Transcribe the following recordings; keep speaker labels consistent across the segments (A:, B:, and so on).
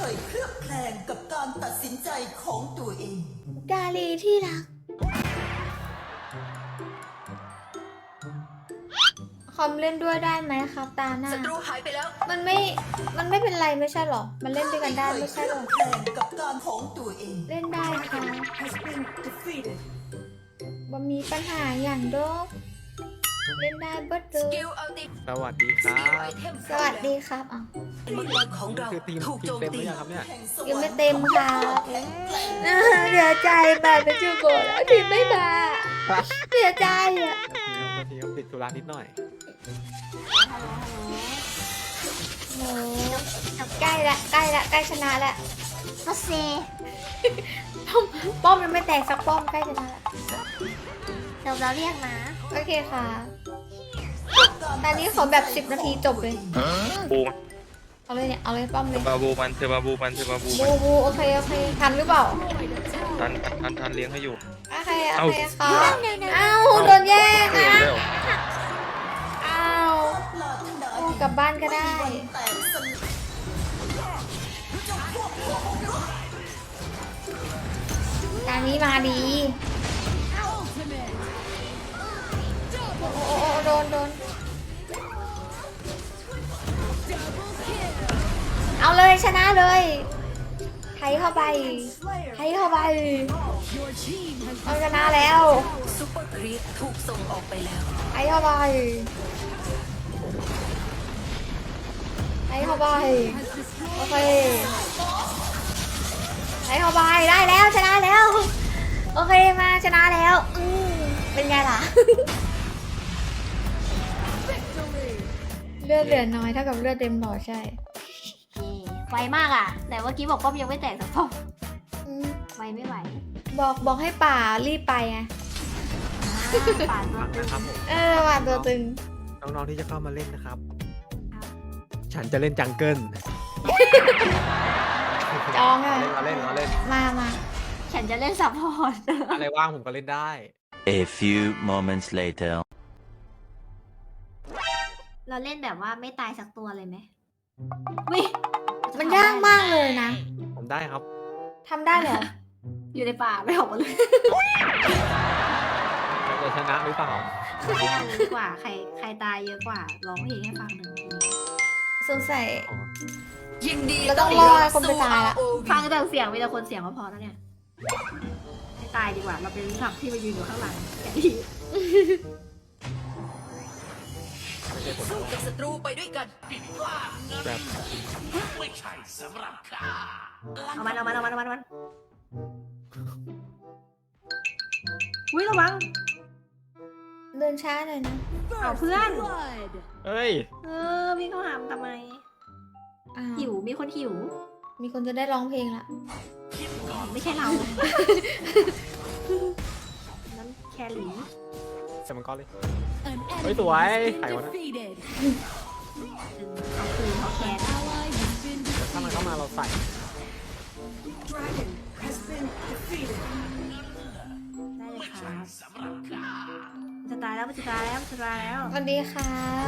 A: ยเคลือบแคลงกับการตัดสินใจของตัวเอง
B: ดาลีที่รักคอมเล่นด้วยได้ไหมครับตาหน้า
A: ศัตรูหายไปแล้ว
B: มันไม่เป็นไรไม่ใช่หรอ มันเล่นด้วยกันได้ไม่ใช่หรอ
A: เคยเคลือบแคลงกับการของตัวเอง
B: เล่นได้ค่ะ
A: has been defeated
B: บ่มีปัญหาอย่างเดอกเล่นได้เบิดเล
A: ส
B: ย
A: กิลอัลติ
C: สวัสดีครับ
A: ไอเทม
B: สวัสดีครับอ่ะ
A: มังกรของเรา
C: คือทีม
A: ถูกโจม
C: เต็มห
A: ตี
C: รือยังครับเนี่ย
B: ยังไม่เต็มค่ะเสียใจแบบเป็นจูโกะแล้วทีมไม่มาเสียใจอ่ะ
C: ทีมติดธุระนิดหน่อย
B: โอ้ใกล้ละใกล้ชนะละ
D: ก็เซ
B: ป้อมยังไม่แตกสักป้อมใกล้ชนะละ
D: เดี๋ยวเราเรียกนะ
B: โอเคค่ะตอนนี้ขอแบบ10 นาทีจบเลย
E: บูม
B: เอาเลยเนี่ยเอาเลยป้อมเลย
E: บาบูมันเธอบาบูมันเธอบาบูมัน
B: บูโอเคทันหรือเปล่า
E: ทันเลี้ยงให้อยู่
B: โอเค
E: เอ้า
B: ค่ะเอ้าโดนแย่ง
E: เร็ว
B: นะ
E: เร็ว
B: เอ้าโอ้กลับบ้านก็ได้
A: แต่สลาย
B: การนี้มาดีโอ้โดนเอาเลยชนะเลยไทยเข้าไปเอาชนะแล้ว
A: ซุปเปอร์ครีปถูกส่งออกไปแล้ว
B: ไทยเข้าไปโอเคไทยเข้าไปได้แล้วชนะแล้วโอเคมาชนะแล้วเป็นไงล่ะ เลือดเหลือน้อยเท่ากับเลือดเต็มหลอดใช่
D: ไวมากอ่ะ แต่เมื่อกี้บอกป้อมยังไม่แตกสักป้อม
B: อืม
D: ไวไม่ไหว
B: บอกให้ป่ารีบไปไง
D: ป่านตัว
C: ฟัง
D: ตึง
C: นะครับผม
B: ป่าตัวตึง
C: น้องๆที่จะเข้ามาเล่นนะครับ ฉันจะเล่นจังเกิล
B: จองอ่ะ
C: เราเล่น
B: มา
D: ฉันจะเล่นซัพพอร์ต
C: อะไรว่างผมก็เล่นได้
F: A few moments later.
D: เราเล่นแบบว่าไม่ตายสักตัวเลยไหมวิ
B: มันยากมากเลยนะ
C: ผมได้ครับ
B: ทำได้เหรอ
D: อยู่ในป่าไม่ออกมาเลย
C: จะชนะหรือเปล่า
D: ไม่เอาเลยดีกว่า ใครตายเยอะกว่าร้องเพลงให้ฟังหนึ่งที
B: สงสัย
A: ยินดี
B: เราต้องรอให้คนไปตายละ
D: ฟังแต่เสียงมีแต่คนเสียงก็พอแล้วเนี่ยไม่ตายดีกว่า เราเป็นสัตว์ที่มายืนอยู่ข้างหลังแกดี
C: ไม่ใช่ผม
A: สู้กับศัตรูไปด้วยกัน
C: แบบ
D: เอามันอุ้ยระวัง
B: เดินช้าหน่อยนะ
D: เอาเพื่อน
C: เอ้ย
D: พี่เขาหามทำไม
B: อ้าว
D: หิว มีคนหิว
B: มีคนจะได้ร้องเพลงละ
D: ไม่ใช่เรา นั้นแคลรี่
C: เซมันก็เลย เฮ้ยสวยใครวะนะ
D: เอาคืนเขาแคร์
C: ถ้ามันเข้ามาเราใส่
D: ได้เลยครับจะตายแล้วจะตายแล้ว
B: สวัสดีค่ะ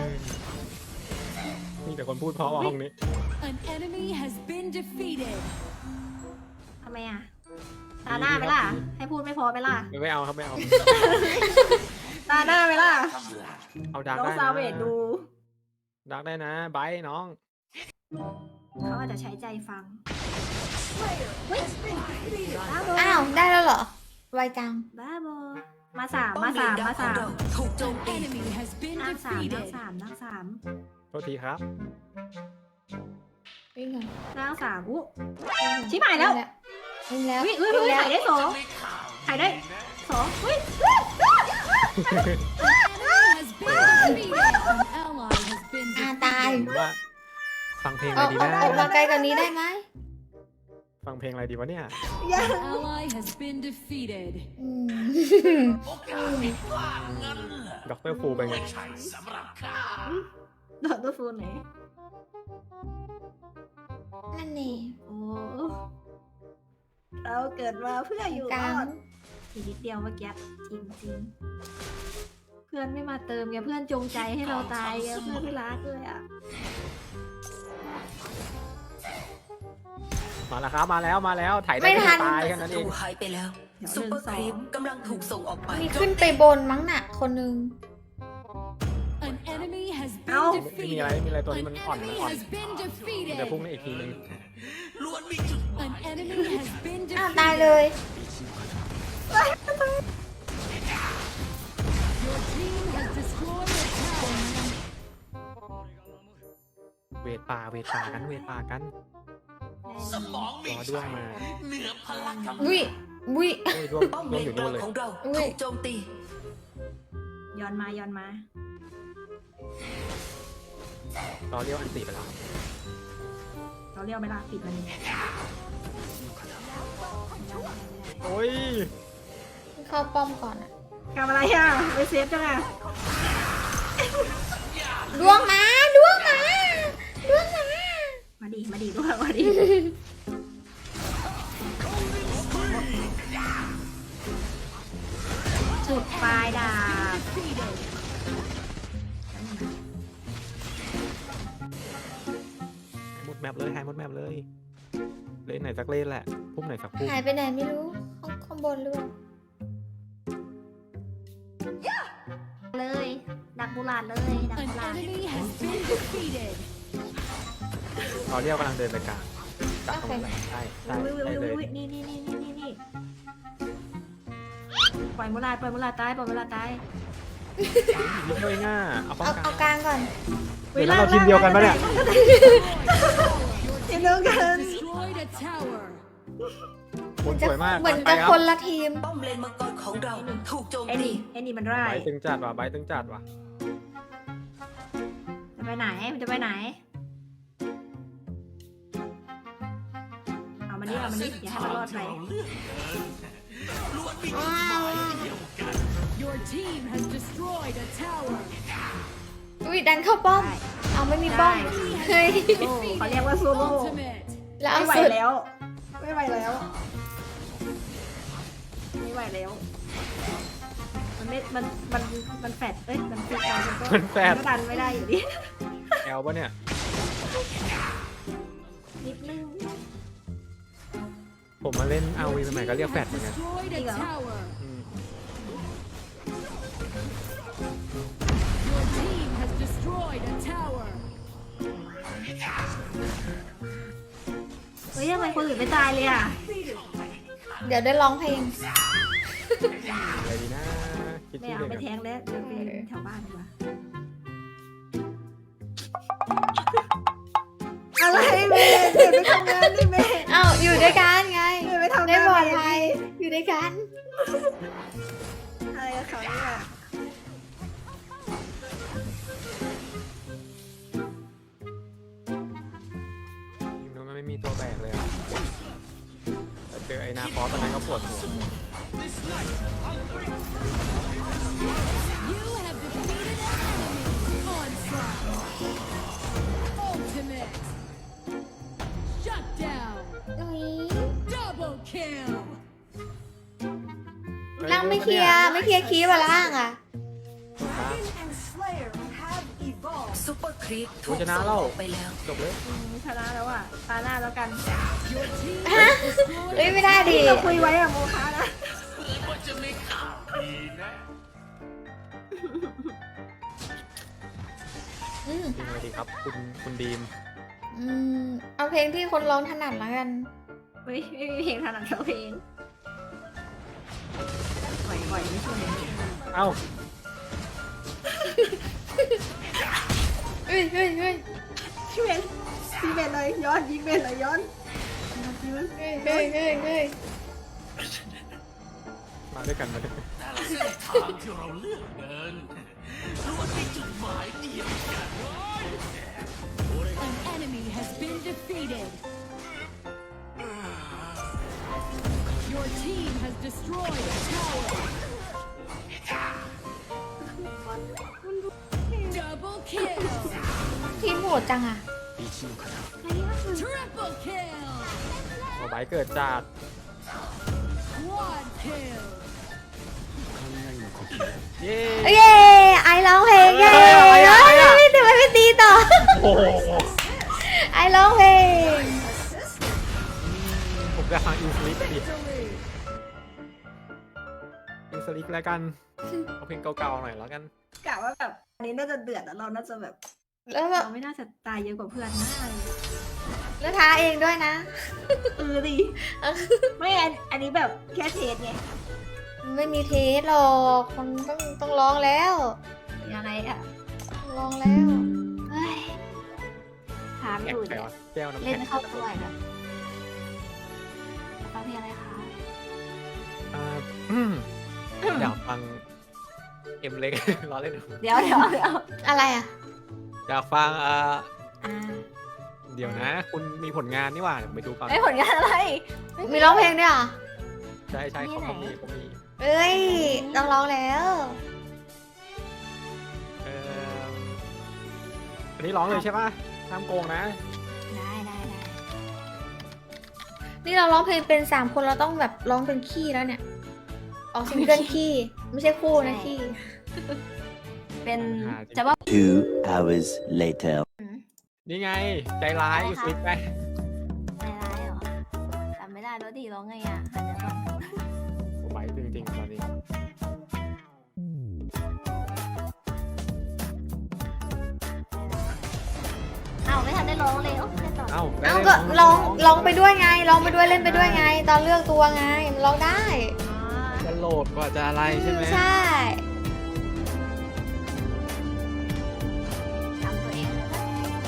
C: มีแต่คนพูดเพราะว่าห้องนี้
G: An enemy has been defeated.
D: ทำไมอ่ะ ตาหน้าไหมล่ะ ให้พูดไม่พอไหมล่ะ
C: ไม่เอาครับไม่เอา
D: ตาหน้าไหมล่ะ
C: เอาดัก
D: น้อง
C: ได้
D: ซา
C: นะ
D: เวดดู
C: ดักได้นะไบร์ทน้อง
D: เขาอาจจะใช้ใจฟังเฮ้ยบ้าบอ
B: อ้าว ได้แล้วเหรอ ไวจัง
D: บ้าบอมาสาม
A: ถูกโจม
G: An
A: ตี
G: enemy has been
D: นั่งสาม
G: defeated.
C: โทษทีครับ
B: วิ่งก่อน
D: นั่งสามอู้ชิบหายแล้ว
B: วิ่งแล้ว
D: วิ่ง
B: วิ่งแล้ว
D: ถ่ายได้สองถ่ายได้สองวิ่ง
G: Ally has been defeated. An ally has been
B: ตาย
C: ผมว่าฟังเพลง
B: อ
C: อะไร
B: อก
C: ดีนะ
B: ออกมาไกลกว่านี้ได้ไหม
C: ฟังเพลงอะไรดีวะเนี่ย
G: An ally has been defeated.
B: อืม
C: ด็อกเตอร์ฟูเป็นไง
D: โดดตัวฟูนไหน
B: นั่นนี่
D: โอ้เราเกิดมาเพื่ออยู่
B: ก
D: ร
B: ลา
D: อง ดอีกนิดเดียวเมื่อกี้จริงเพื่อนไม่มาเติมไงเพื่อนจงใจให้เราตายไงเพื่อนไม่รักเลยอ่ะ
C: มาแล้วครับมาแล้วถ่ายได้
B: ไม่ทั
C: แค่
B: น
C: ตายแค่นั้นเอ
A: ถู
C: ง
A: กหายไปแล้ว ซุปเปอร์ครีปกำลังถูกส่งออกไป
B: มีขึ้นไปบนมั้งน่ะ คนนึง
G: An enemy has
D: Ow.
G: been
C: ไม่มี
G: defeated.
C: อะไรไม่มีอะไรตัวนี้
G: An
C: มันอ่อน
G: enemy has been
C: เดี๋ยว
G: defeated.
C: พุ่งในอีกทีนึง
G: An enemy has been
B: อ้าวตายเล
G: defeated.
B: ย
G: Your team has destroyed a tower.
C: เวทป่ากันรอด้วงมา
B: อุ้ยอุ้ย
C: โอ้ยด้วง
A: ป้อม
C: ด้
A: เล
C: วงอน ยู่
A: ก
C: นู่
A: ลาน ง
C: เลย
A: ของเรา
B: อุ้ย
A: ถูกโจมตี
D: ย้อนมา
C: รอเรียวอันติไปแล้ว
D: เราเรียกเวลาปิดมัน
C: โอ้ย
B: เข้าป้อมก่อนอะ
D: ทำอะไรอ่ะไปเซฟจังอ่ะ
B: ดวงมาดวงมาดวงมา
D: มาดีด้วยมาดีจุดปลายดาบ
G: Defeated.
C: หมดแมปเลยหายหมดแมปเลยเล่นไหนสักเล่นแหละพุ่มไหนสักพุ่ม
B: หายไปไหนไม่รู้ ข้างบนหรือเปล่า
D: เลยดักบุหลาดเลยดัก
G: An
D: บุหลาด
G: enemy has been defeated.
C: รอเรียวกำลังเดินไปกลางจับตรงไหนใช่ได้เลย
D: นี่ปล่อยบุหลาดตาย
C: นิดเดียวเองอ่ะเอาป้อง
B: เอา
C: กัน
B: กลางก่อน
C: เดี๋ยวเราทีมเดียวกันปะเนี่ย
D: ทีมเดียวกัน
G: Destroyed a tower.
C: คนสวยมาก
B: เหมือน
C: ไป
B: จะ
C: ครับ
B: คนละทีม
A: ป้อมเลนมังกรของเราถูกโจม
D: ไอ้
A: ตี
D: นี่มันร้า
C: ใบ
D: ย
C: ตึงจัดว่ะใบตึงจัดว่ะ
D: จะไปไหนมันจะไปไหนเอามันนี่อย่าให้มันรอดไป
G: Your team has destroyed a tower.
B: อุ้ยดันเข้าป้อม เอาไม่มีป้อม เฮ้ย
D: โอ้เขาเรียกว่าซูโร่
G: Ultimate.
B: แล้วเอา
D: ไม่ไหว
B: สุด
D: แล้วไม่ไหวแล้ว มันแฟดเอ้ยมันฟิกกันก็
C: มันแฟด
D: ก็ดันไม่ได้อยู่ดี
C: แอลปะเนี่ย
D: นิดนึง
C: ผมมาเล่นอาวีสมัยก็เรียกแฟดเหมือนกัน
G: Destroyed a tower.
C: อืม
G: Your team has destroyed a tower.
D: เฮ้ยทำไมคนอื่นไม่ตายเลยอ่ะ
B: เดี๋ยวได้ร้องเพลง
C: อะไรดีนะคิด
D: ไม่
C: ที่
D: เอา
C: เดียว
D: ไป
C: กัน
D: แทงแล้วเดินไปแถวบ้านดีกว่าอะไรเมย์เดินไปทำงานดิเมย์
B: เอ้าอยู่ด้วยกันไง
D: เดินไปทำ
B: ได้
D: งาน
B: ปลอดภัยอยู่ด้วยกัน
D: อะไรกับเขาเนี่ย
C: ทีมนู้นมันไม่มีตัวแบกเลยอ่ะแต่เจอไอ้นาฟอสตอนนั้นก็ปวดหัว
G: You have defeated an enemy. Onslaught. Ultimate. Shut down.
B: อุ้ย
G: Double kill.
B: ล่างไม่เคลียร์คีบอะล่างอะ
A: ซุปเปอร์ครีปถู
C: กู
A: ก
C: ชนะ
A: ส่ง
C: แล้
A: อ
C: ว
A: อกไปแล้ว
C: จบเลย
D: ชนะแล้วอ่ะตาหน้าแล้วกัน
G: Your team
B: ฮะ
G: has destroyed
B: เอ้ยไม่ได้ดิ
D: เราคุยไว้อะโมคะนะ
B: อืม
C: จริงเลยดีครับ คุณดีม
B: อืมเอาเพลงที่คนร้องถนัดแล้วกัน
D: ไม่มีเพลงถนัดเท่าเพลงปล่อยไม่ช่วย
C: เอ้า
B: เฮ้ย
D: พี่เบนเลยย้อนยิงเบนเลยย้อน
C: มาด้วยกันมาด้วยกัน
G: An enemy has been defeated. Your team has destroyed a tower. Double kill.
B: ทีมโหดจังอะ
G: Triple kill.
C: โอ้ใบเกิดจัด
G: Quad kill.
C: เย้
B: เย้ไอร้องเพลงเย้ทำไมไม่ตีต่อ
C: โอ้โห
B: ไอร้องเพลง
C: อีกแล้วกันเอาเพลงเก่าๆหน่อยแล้วกัน
D: กะว่าแบบอันนี้น่าจะเดือดแล้วเราน่าจะแบบ
B: แล้วแบบ
D: เราไม่น่าจะตายเยอะกว่าเพื่อนน่าเลย
B: แล้วท้าเองด้วยนะ
D: ดิไม่อันนี้แบบแค่เทสไง
B: ไม่มีเทสหรอกคนต้องร้องแล้ว
D: ยังไงอะ
B: ต้องร้องแล้ว
D: เฮ้ยถาม
C: แข็
D: อง ยู่
C: ไป
D: เนี่ยว
C: ะแก้วน้ำ
D: เล่
C: แข็
D: น
C: ง
D: เข้าตัวแบบฟังเพลงอะไรคะ
C: อ่าอยากฟังเอ็มเล็ก ล้อเล่น
D: เดี๋ยว
B: อะไรอ่ะ
C: อยากฟัง
D: อ่า
C: เดี๋ยวนะ คุณมีผลงานนี่หว่าเดี๋ยวไปดูก่อน
D: ไอ้ผลงานอะไร
B: มีร้องเพลงด้วยเหรอ
C: ใช่ใช่
D: มี
C: เขา
D: ไหน
C: เขามี
B: เอ้ยต้องร้องแล้ว
C: เอ่ออันนี้ร้องเลยใช่ป่ะห้ามโกงนะ
D: ได้
B: นี่เราร้องเพลงเป็น3 คนเราต้องแบบร้องเป็นขี้แล้วเนี่ยออกซิงเกิลขี้ไม่ใช่คู่นะขี้
D: เป็นจะว่า
F: 2 hours later.
C: นี่ไง ใจร้ายฟิกไป
D: ในร้ายเหรอจำไม่ได้แล้วดิร้องไงอ่ะหันเดี๋ยวก่อน
C: ผมไปจริงๆตอนนี้
D: อ้าวไม่ทันได้ร้องเลยโอ้ไม่ต่อ
C: เอ้า
B: เอ้าก็ร้องไปด้วยไงร้องไปด้วยเล่นไปด้วยไง ตอนเลือกตัวไงมันร้องได้
C: จะโหลดกว่าจะอะไรใช่ไหม
B: ใช่
D: ทำตัวเองเลยนะ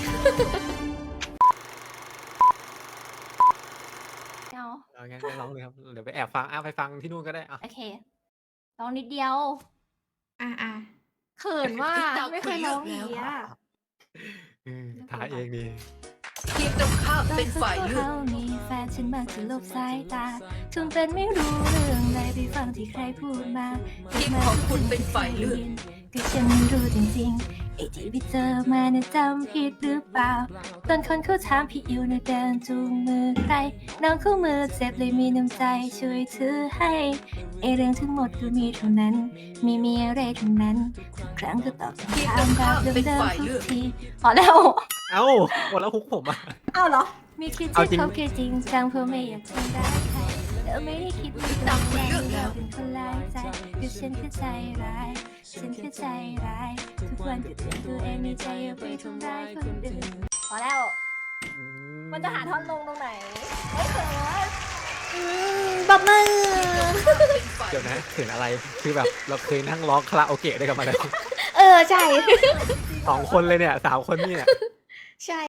D: เอา
C: เอางั้นก็ร้องเลยครับเดี๋ยวไปแอบฟังไปฟังที่นู่นก็ได้อ่ะ
D: โอเคร้องนิดเดียว
B: อ่ะ
D: เขินว่าไม่เคยร้องอย่างนี้อ่ะ
C: ถ่ายเองดี
A: ทีมตรงข้ามเป็นฝ่ายเลือก
D: เขามีแฟนฉันมักจะลบสายตาจนเป็นไม่รู้เรื่องใดไปฟังที่ใครพูดมา
A: ทีมของคุณเป็นฝ่ายเลือก
D: ก็ฉันไม่รู้จริงๆไอ้ที่ไปเจอมาเนี่ยจำผิดหรือเปล่าตอนคนเขาถามพี่อยู่ในเดินจูงมือใครน้องคู่มือเจ็บเลยมีน้ำใจช่วยถือให้ไอเรื่องทั้งหมดก็มีเท่านั้นมีอะไรเท่านั้นทุกครั้งก็ตอบคำถามแบบเดิมๆทุกทีพอแล้ว
C: เอ้าหมดแล้วฮุกผมอ่ะ
D: อ้าวเหรอมีคิด
C: เอาจริ
D: ที่
C: ง
D: เขาแค่จริงจังเพื่อไม่อยากทำร้ายใครเธอไม่ได้คิดว่าเราเป็นคนร้ายใจคือฉันแค่ใจร้ายฉันแค่ใจร้ายทุกวันก็เตือนตัวเองในใจอย่าไปทำร้ายคนอื่นพอแล้ว มันจะหาท่อนลงตรงไหนไม่เขิน
B: ปรบมือ
C: เดี๋ยวนะถึงอะไรคือแบบเราเคยนั่งร้องคาราโอเกะด้วยกันมาเลย
B: ใช่
C: 2 คนเลยเนี่ย3 คนนี่เนี่ย
B: ใช่